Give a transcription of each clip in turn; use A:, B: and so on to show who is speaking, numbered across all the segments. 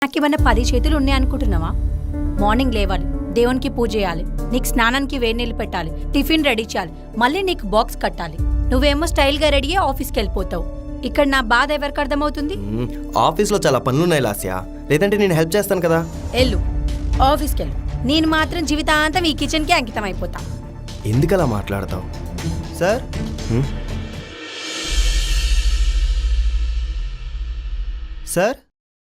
A: నాకేమన్నా 10 చేతులు ఉన్నాయనుకుంటున్నావా? మార్నింగ్ లేవాలి, దేవునికి పూజ చేయాలి, నీకు స్నానానికి వేడి నీళ్ళు పెట్టాలి, టిఫిన్ రెడీ చేయాలి, మళ్ళీ నీకు బాక్స్ కట్టాలి. నువ్వేమో స్టైల్గా రెడీ అయ్యి ఆఫీస్కి వెళ్ళిపోతావు. ఇక్కడ నా బాధ ఎవరికి అర్థమవుతుంది?
B: ఆఫీస్లో చాలా పనులున్నాయి లాస్యా, లేదంటే నేను హెల్ప్ చేస్తాను కదా.
A: వెళ్ళు, ఆఫీస్కి వెళ్ళు. నేను మాత్రం జీవితాంతం ఈ కిచెన్కి అంకితం అయిపోతా.
B: ఎందుకలా మాట్లాడతావు?
C: సార్ సార్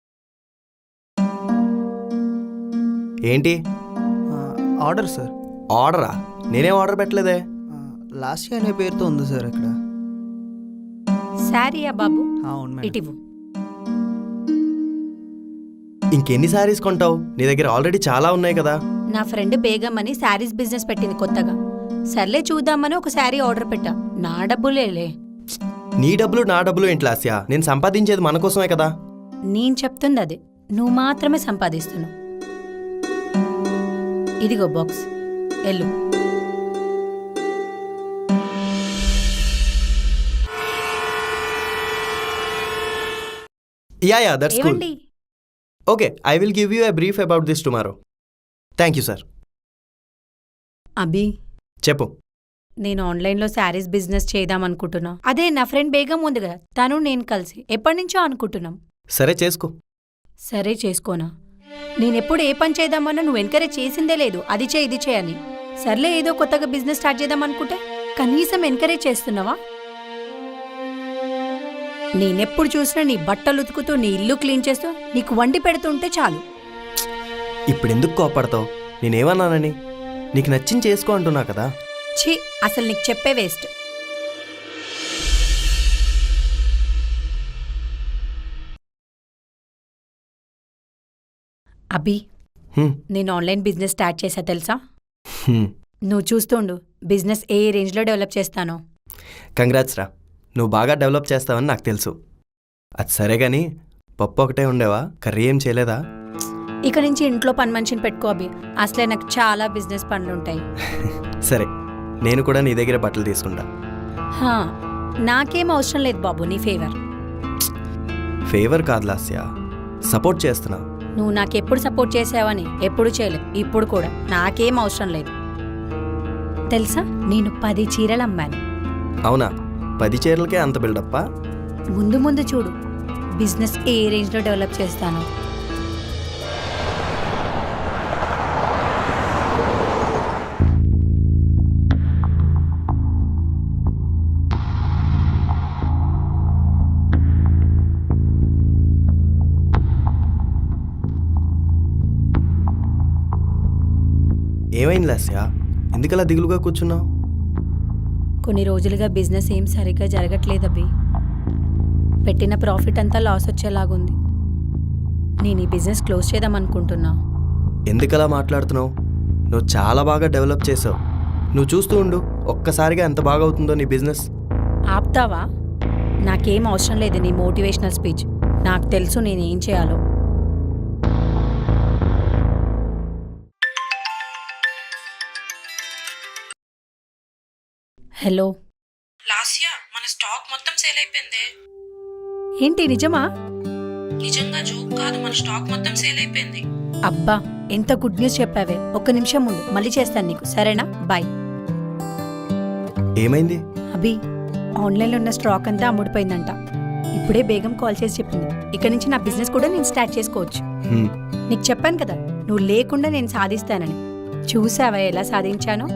B: ఏంటి
C: ఆర్డర్ సార్.
B: ఆర్డరా? నేనేం ఆర్డర్ పెట్టలేదే.
C: లాస్య అనే పేరుతో ఉంది సార్ ఇక్కడ.
A: శారీయా బాబు?
C: అవును మేడం.
A: ఇటివ్వు.
B: ఇంకెన్ని శారీస్ కొంటావు? నీ దగ్గర ఆల్రెడీ చాలా ఉన్నాయి కదా.
A: నా ఫ్రెండ్ బేగం అని శారీస్ బిజినెస్ పెట్టింది కొత్తగా. సర్లే చూద్దామని ఒక శారీ ఆర్డర్ పెట్టా. నా డబ్బులేలే.
B: నీ డబ్బులు నా డబ్బులు ఏంటి లాస్యా? నేను సంపాదించేది మన కోసమే కదా.
A: నేను చెప్తుంది అదే, నువ్వు మాత్రమే సంపాదిస్తున్నావు. ఇదిగో బాక్స్, ఎల్లు.
B: Yeah that's cool.
A: ఏమండి?
B: Okay, I will give you a brief about this tomorrow. Thank you sir.
A: Abhi,
B: చెప్పు.
A: నేను ఆన్లైన్లో శారీస్ బిజినెస్ చేద్దామనుకుంటున్నా. అదే నా ఫ్రెండ్ బేగం ఉంది కదా, తను నేను కలిసి ఎప్పటినుంచో అనుకుంటున్నాం.
B: సరే చేసుకో.
A: సరే చేసుకోనా? నేనెప్పుడు ఏ పని చేద్దామన్నా నువ్వు ఎంకరేజ్ చేసిందే లేదు, అది చేయి ఇది చేయని. సర్లే ఏదో కొత్తగా బిజినెస్ స్టార్ట్ చేద్దామనుకుంటే కనీసం ఎంకరేజ్ చేస్తున్నావా? నేనెప్పుడు చూసినా నీ బట్టలు ఉతుకుతూ, నీ ఇల్లు క్లీన్ చేస్తూ, నీకు వండి పెడుతుంటే చాలు.
B: ఇప్పుడెందుకు కోపడతావు? నేనేమన్నానని? నీకు నచ్చింది చేసుకో అంటున్నా కదా.
A: ఛీ, అసలు నీకు చెప్పే వేస్ట్. అభి, నేను ఆన్లైన్ బిజినెస్ స్టార్ట్ చేశా తెలుసా? నువ్వు చూస్తుండు బిజినెస్ ఏ రేంజ్లో డెవలప్ చేస్తానో.
B: కంగ్రాట్స్ రా, నువ్వు బాగా డెవలప్ చేస్తావని నాకు తెలుసు. అది సరే గాని పప్పు ఒకటే ఉండేవా? కర్రీ ఏం చేయలేదా?
A: ఇక నుంచి ఇంట్లో పని మనిషిని పెట్టుకో అభి, అసలే నాకు చాలా బిజినెస్ పనులుంటాయి.
B: సరే, నేను కూడా నీ దగ్గర బట్టలు తీసుకుంటా.
A: హా, నాకేం అవసరం లేదు బాబు నీ ఫేవర్.
B: ఫేవర్ కాదు లాస్యా, సపోర్ట్ చేస్తున్నా.
A: నువ్వు నాకెప్పుడు సపోర్ట్ చేసావని ఎప్పుడు చేయలేదు, ఇప్పుడు కూడా నాకేం అవసరం లేదు. తెలుసా, నేను 10 చీరలు అమ్మాను.
B: అవునా? 10 చీరలకే అంత బిల్డప్పా?
A: ముందు ముందు చూడు బిజినెస్ ఏ రేంజ్లో డెవలప్ చేస్తాను.
B: ఏమైంది లాస్యా? ఎందుకలా దిగులుగా కూర్చున్నావు?
A: కొన్ని రోజులుగా బిజినెస్ ఏం సరిగ్గా జరగట్లేదు అభి. పెట్టిన ప్రాఫిట్ అంతా లాస్ వచ్చేలాగుంది. నేను ఈ బిజినెస్ క్లోజ్ చేద్దామనుకుంటున్నా.
B: ఎందుకలా మాట్లాడుతున్నావు? నువ్వు చాలా బాగా డెవలప్ చేసావు. నువ్వు చూస్తూ ఉండు, ఒక్కసారిగా ఎంత బాగా అవుతుందో నీ బిజినెస్.
A: ఆపుతావా? నాకేం అవసరం లేదు నీ మోటివేషనల్ స్పీచ్. నాకు తెలుసు నేనేం చేయాలో. హలో
D: లాస్యా, మన స్టాక్ మొత్తం సేల్ అయిపోయింది.
A: ఏంటి నిజమా?
D: నిజంగా జోక్ కాదు, మన స్టాక్ మొత్తం సేల్ అయిపోయింది.
A: అబ్బా, ఎంత గుడ్ న్యూస్ చెప్పావే. ఒక్క నిమిషం ముందు మళ్ళీ చేస్తాను నీకు, సరేనా? బాయ్.
B: ఏమైంది?
A: అభి, ఆన్లైన్లో ఉన్న స్టాక్ అంతా అమ్ముడిపోయిందంట. ఇప్పుడే బేగం కాల్ చేసి చెప్పింది. ఇక్కడి నుంచి నా బిజినెస్ కూడా నేను స్టార్ట్ చేసుకోవచ్చు. నీకు చెప్పాను కదా, నువ్వు లేకుండా నేను సాధిస్తానని. చూసావా ఎలా సాధించానో?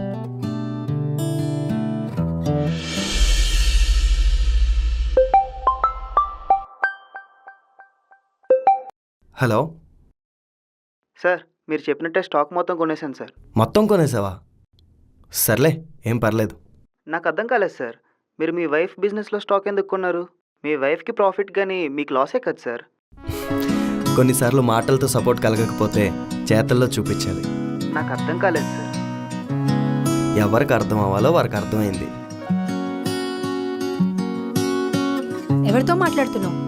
B: హలో
C: సార్, మీరు చెప్పినట్టే స్టాక్ మొత్తం కొనేసాను సార్.
B: మొత్తం కొనేసావా? సర్లే, ఏం పర్లేదు.
C: నాకు అర్థం కాలేదు సార్, మీరు మీ వైఫ్ బిజినెస్లో స్టాక్ ఎందుకు కొన్నారు? మీ వైఫ్కి ప్రాఫిట్ కానీ మీకు లాసే కదా సార్.
B: కొన్నిసార్లు మాటలతో సపోర్ట్ కలగకపోతే చేతల్లో చూపించాలి.
C: నాకు అర్థం కాలేదు సార్.
B: ఎవరికి అర్థం అవ్వాలో వారికి అర్థమైంది.
A: ఎవరితో మాట్లాడుతున్నావు?